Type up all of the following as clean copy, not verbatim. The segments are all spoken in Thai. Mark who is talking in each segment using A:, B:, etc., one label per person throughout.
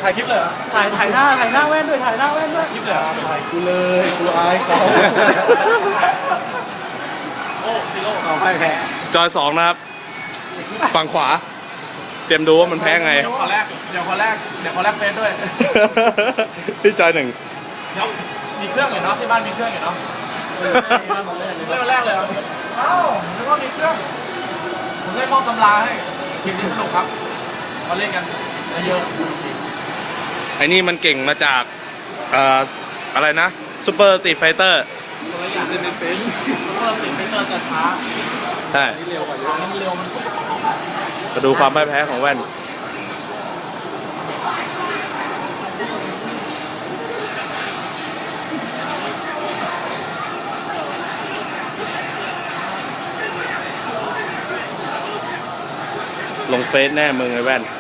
A: ถ่ายคลิปเลยเหรอถ่ายหน้าแว่นด้วยถ่ายหน้าแว่นด้วยคลิปเลยถ่ายกูเลยกูอายเขาโอ้ซิโร่เอาไปแพ้
B: จอย2นะครับฝั่งขวาเตรียมดูว่ามันแพ้ไง
A: เดี๋ยวขอแรกเฟซด้วย
B: ที่จอย1
A: เดี๋ยวมีเครื่องอยู่เนาะที่บ้านมีเครื่องอยู่เนาะเล่นแรกเลยเอ้านึกว่ามีเครื่องผมได้มอบตำราให้ทีมนี้สนุกครับมาเล่นกันเยอะ
B: ไอ้นี่มันเก่งมาจากอะไรนะซูเปอร์สตรีทไฟเตอร์
A: ตัวอย่างเล่นเป็นซูเปอร์สตรีทไฟเตอร์จะช้า
B: ใช่
A: เร็วกว่าเยอะมันเร็วมัน
B: มาดูความไม่แพ้ของแว่นลงเฟซแน่มึงไอ้แว่น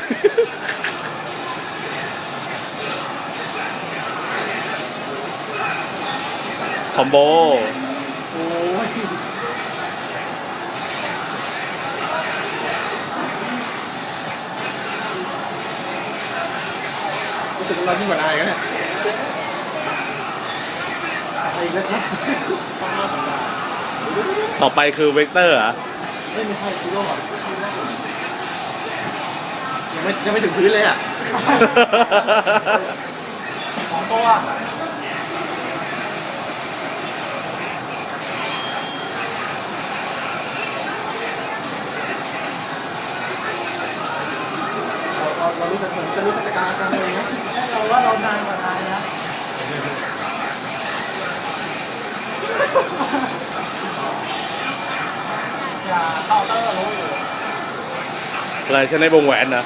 B: คอมโบ
A: รู้สึกเรายิ่งกว่านายกันเนี่ยอีกแล้วครับ
B: ต่อไปคือเวกเตอร์เหรอ
A: ไม่ใช่ซิโร่ยังไม่ถึงพื้นเลยอ่ะของตัวเรารู้สึกเหมือนจะรู้จักการกันเลยนะเราว่าเรานานกว่านายนะอย่าเข้าเตอร์รู้อยู่
B: อะไรฉันในวงแหวนนะ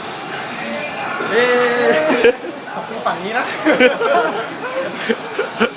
A: ขอบคุณฝั่งนี้นะ